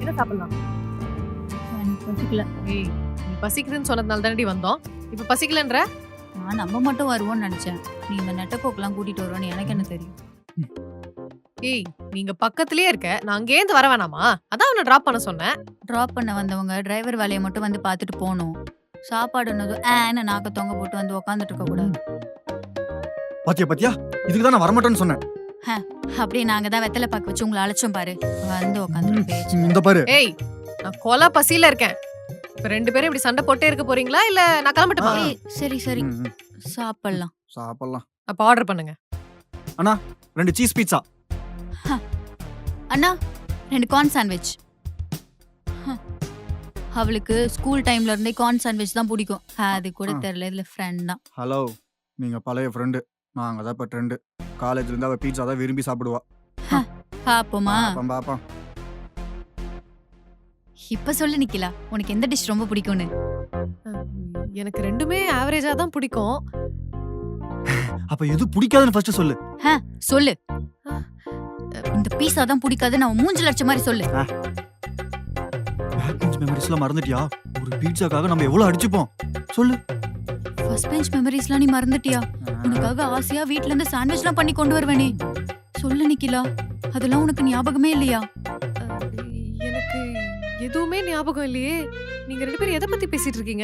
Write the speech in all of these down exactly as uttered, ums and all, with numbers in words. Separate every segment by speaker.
Speaker 1: என்ன சாப்பிடலாம்?
Speaker 2: எனக்கு பசிக்கல.
Speaker 1: ஏய், நீ பசிக்குதுன்னு சொன்னதுனால தானடி வந்தோம். இப்ப பசிக்கலன்ற?
Speaker 2: நான் நம்ம மட்டும் வருவோம்னு நினைச்சேன். நீ இந்த நெட்டப்போக்கெல்லாம் கூட்டிட்டு வருவான்னு எனக்கு என்ன தெரியும்?
Speaker 1: ஏய், நீங்க பக்கத்துலயே இருக்க. நான் அங்கேருந்து வர வேணாமா? அதான் உன்னை டிராப் பண்ண சொன்னேன்.
Speaker 2: டிராப் பண்ண வந்தவங்க டிரைவர் வேலையை மட்டும் வந்து பார்த்துட்டு போகணும். சாப்பாடுன்னதும் ஏன்னு நாக்க தொங்க போட்டு வந்து உக்காந்துட்டு இருக்க கூடாது.
Speaker 3: பாத்தியா பாத்தியா இதுக்கு தான் நான் வரமாட்டேன்னு சொன்னேன்.
Speaker 2: அப்படியே நாங்க தான் வெத்தலை பாக்கு வச்சு உங்களை அழைச்சோம் பாரு. வந்து உக்காந்துட்டு பேச்சு.
Speaker 3: இந்த பாரு
Speaker 1: ஏய், நான் கொலை பசியில இருக்கேன். இப்ப ரெண்டு பேரும் இப்படி சண்டை போட்டே இருக்க போறீங்களா இல்ல நான் கிளம்பட்டுமா?
Speaker 2: ஏய், சரி சரி
Speaker 3: ம், ம்.
Speaker 2: சாப்பிடலாம்.
Speaker 3: சாப்பிடலாம்.
Speaker 1: அப்ப ஆர்டர் பண்ணுங்க.
Speaker 3: ரெண்டு சீஸ் பீட்சா.
Speaker 2: அண்ணா ரெண்டு கார்ன் சாண்ட்விச். அவளுக்கு ஸ்கூல் டைம்ல இருந்தே கார்ன் சாண்ட்விச் தான் பிடிக்கும். அது கூட
Speaker 3: ஆ.
Speaker 2: தெரியல, இதுல ஃப்ரெண்ட் தான்.
Speaker 3: ஹலோ, நீங்க பழைய ஃப்ரெண்டு. நாங்க தான் இப்ப ட்ரெண்டு. காலேஜ்ல இருந்து அவ பீட்சா தான் விரும்பி சாப்பிடுவா.
Speaker 2: பாப்போமா?
Speaker 3: பாப்போம் பாப்போம்.
Speaker 2: இப்ப சொல்லு நிக்கிலா, உனக்கு எந்த டிஷ் ரொம்ப பிடிக்கும்னு?
Speaker 1: எனக்கு ரெண்டுமே ஆவரேஜா தான் பிடிக்கும்.
Speaker 3: அப்ப எது பிடிக்காதுன்னு ஃபர்ஸ்ட் சொல்லு.
Speaker 2: சொல்லு. இந்த பீஸா தான் பிடிக்காதுன்னு அவன் மூஞ்சில அடிச்ச மாதிரி சொல்லு.
Speaker 3: பேக் பெஞ்ச் மெமரிஸ்லாம் மறந்துட்டியா? ஒரு பீட்சாக்காக நம்ம எவ்வளவு அடிச்சுப்போம் சொல்லு.
Speaker 2: ஃபர்ஸ்ட் பெஞ்ச் மெமரிஸ்லாம் நீ மறந்துட்டியா? உனக்காக ஆசையா வீட்ல இருந்து சாண்ட்விச்லாம் பண்ணி கொண்டு வருவேனே. சொல்லு நிக்கிலா, அதெல்லாம் உனக்கு ஞாபகமே இல்லையா?
Speaker 1: அஹ், எனக்கு எதுவுமே ஞாபகம் இல்லையே. நீங்க ரெண்டு பேரும் எதை பத்தி பேசிட்டு இருக்கீங்க?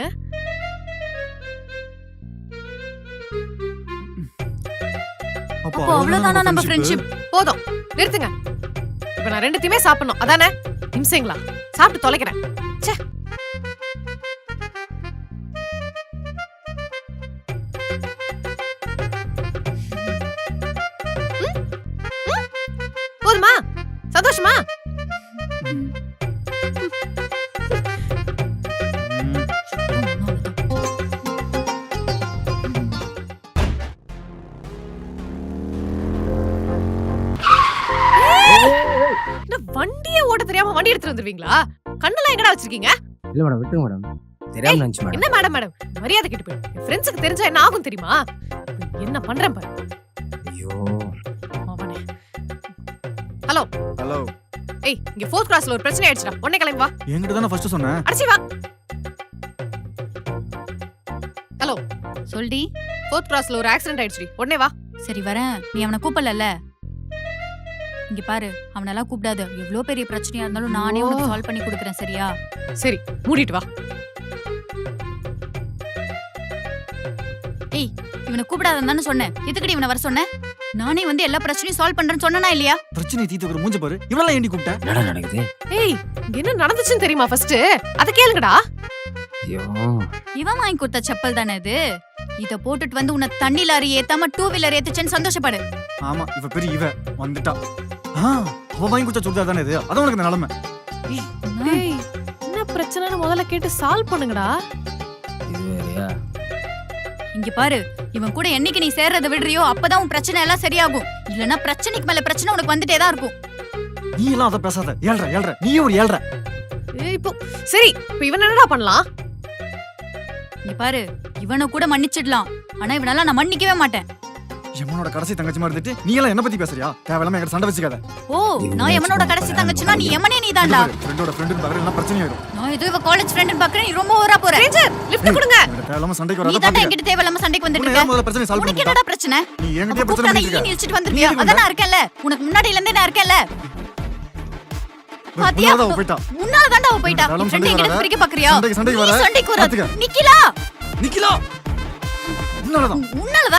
Speaker 3: அப்போ
Speaker 2: அப்போ அவ்வளவுதானா நம்ம ஃப்ரெண்ட்ஷிப்?
Speaker 1: போதும், நிறுத்துங்க. இப்ப நான் ரெண்டுத்தையுமே சாப்பிடணும் அதானே? நிமிஷங்களா, சாப்பிட்டு தொலைக்கிறேன். ச்சே. ம்? ம்? போதுமா? சந்தோஷமா?
Speaker 3: ம்.
Speaker 1: என்ன வண்டியே ஓட்ட தெரியாம வண்டி எடுத்துட்டு வந்துருவீங்களா? கண்ணெல்லாம் எங்கடா வச்சிருக்கீங்க?
Speaker 4: இல்ல மேடம், விட்டுருங்க மேடம். தெரியாம நினைச்சு மேடம்.
Speaker 1: என்ன மேடம் மேடம் மரியாதை கெட்டு போயிடும். என் ஃப்ரெண்ட்ஸுக்கு தெரிஞ்சா என்ன ஆகும் தெரியுமா? என்ன பண்றேன் பாரு.
Speaker 4: ஐயோ,
Speaker 1: அவனே. ஹலோ
Speaker 3: ஹலோ,
Speaker 1: ஏய், இங்க ஃபோர்த் கிளாஸ்ல ஒரு பிரச்சனை ஆயிடுச்சுடா. உடனே கிளம்பி வா.
Speaker 3: என்கிட்ட தானே ஃபர்ஸ்ட் சொன்னேன்.
Speaker 1: அடிச்சி வா. ஹலோ,
Speaker 2: சொல்டி.
Speaker 1: ஃபோர்த் கிளாஸ்ல ஒரு ஆக்சிடென்ட் ஆயிடுச்சுடி. உடனே வா.
Speaker 2: சரி வரேன். நீ அவனை கூப்பிடல. இங்க பாரு, அவனெல்லாம் கூப்பிடாத. எவ்வளவு பெரிய பிரச்சனையா இருந்தாலும் நானே உனக்கு சால்வ் பண்ணி கொடுக்குறேன், சரியா?
Speaker 1: சரி, மூடிட்டு வா.
Speaker 2: ஏய், இவனை கூப்பிடாதன்னு சொன்னேன். எதுக்குடி இவனை வர சொன்னேன்? நானே வந்து எல்லா பிரச்சனையும் சால்வ் பண்றேன்னு சொன்னனா இல்லையா?
Speaker 3: பிரச்சனை தீத்துக்கிற மூஞ்ச பாரு. இவளெல்லாம் ஏண்டி கூப்பிட்ட?
Speaker 4: என்னடா நடக்குது?
Speaker 1: ஏய், இங்க என்ன நடந்துச்சுன்னு தெரியுமா ஃபர்ஸ்ட்? அத கேளுங்கடா.
Speaker 4: ஐயோ,
Speaker 2: இவன் வாங்கி கொடுத்த செப்பல் தானே இது. இத போட்டுட்டு வந்து உன்னை தண்ணி லாரி ஏத்தாம டூ வீலர் ஏத்துச்சேன்னு சந்தோஷப்படு.
Speaker 3: ஆமா, இவ பெரிய இவ வந்துட்டா. ஆ, அவ வாங்கி கொடுத்த சுடிதார் தானே இது. அதான் உனக்கு இந்த நிலைமை.
Speaker 1: ஏய், என்ன பிரச்சனைன்னு முதல்ல கேட்டு சால்வ் பண்ணுங்கடா.
Speaker 4: இது வேறயா?
Speaker 2: இங்க பாரு, இவன் கூட என்னைக்கு நீ சேர்றத விடுறியோ அப்பதான் உன் பிரச்சனை எல்லாம் சரியாகும். இல்லனா பிரச்சனைக்கு மேல பிரச்சனை உனக்கு வந்துட்டே தான் இருக்கும்.
Speaker 3: நீ எல்லாம் அத பேசாத. ஏழ்ற ஏழ்ற நீயே ஒரு ஏழ்ற.
Speaker 1: ஏய், இப்போ சரி, இப்போ இவன் என்னடா பண்ணலாம்?
Speaker 2: இங்க பாரு, இவனை கூட மன்னிச்சிடலாம். ஆனா இவனால நான் மன்னிக்கவே மாட்டேன்.
Speaker 3: எம்மனோட கடைசி தங்கச்சி மாதிரி இருந்துட்டு நீ எல்லாம் என்ன பத்தி பேசுறியா? தேவையில்லாம என்கிட்ட சண்டை வச்சுக்காத.
Speaker 2: ஓ, நான் எவனோட கடைசி தங்கச்சினா நீ எமனே நீதான்டா.
Speaker 3: ஃப்ரெண்டோட ஃப்ரெண்டு பக்கத்துல எல்லாம் பிரச்சனை ஆயிடும்.
Speaker 2: நான் ஏதோ இவ காலேஜ் ஃப்ரெண்ட் பாக்குறேன். நீ ரொம்ப ஓவரா போற.
Speaker 1: லிஃப்ட் கொடுங்க.
Speaker 3: என்கிட்ட தேவையில்லாம சண்டைக்கு
Speaker 2: நீ
Speaker 3: வராத
Speaker 2: தான்
Speaker 3: பாத்துக்க.
Speaker 2: என்கிட்ட தேவையில்லாம சண்டைக்கு வந்துட்டு
Speaker 3: உன்னை
Speaker 2: இருக்க.
Speaker 3: ஏன் முதல்ல பிரச்சனை சால்வ்
Speaker 2: உனக்கு
Speaker 3: பண்ணிட்டா?
Speaker 2: என்னடா பிரச்சனை?
Speaker 3: நீ என்கிட்ட
Speaker 2: அப்ப
Speaker 3: பிரச்சனை
Speaker 2: கூப்பிடாத,
Speaker 3: பண்ணிட்டு
Speaker 2: ஈ
Speaker 3: இருக்க.
Speaker 2: இழுச்சிட்டு வந்திருக்கியா? அதான் நான் இருக்கேன்ல. உனக்கு முன்னாடில இருந்தே நான் இருக்கேன்ல. பாத்தியா?
Speaker 3: முன்னால அவ போயிட்டா.
Speaker 2: முன்னால தான்டா அவ போயிட்டா.
Speaker 3: தேவையில்லாம
Speaker 2: ஃப்ரெண்ட்
Speaker 3: சண்டைக்கு
Speaker 2: என்கிட்ட
Speaker 3: வராத.
Speaker 2: பிரிக்க பாக்குறியா?
Speaker 3: சண்டைக்கு சண்டைக்கு
Speaker 2: நீ
Speaker 3: வர.
Speaker 2: சண்டைக்கு வராத.
Speaker 3: பாத்துக்க.
Speaker 2: நிக்கிலா,
Speaker 3: நிக்கிலா. உன்னாலதான்
Speaker 2: உன்னால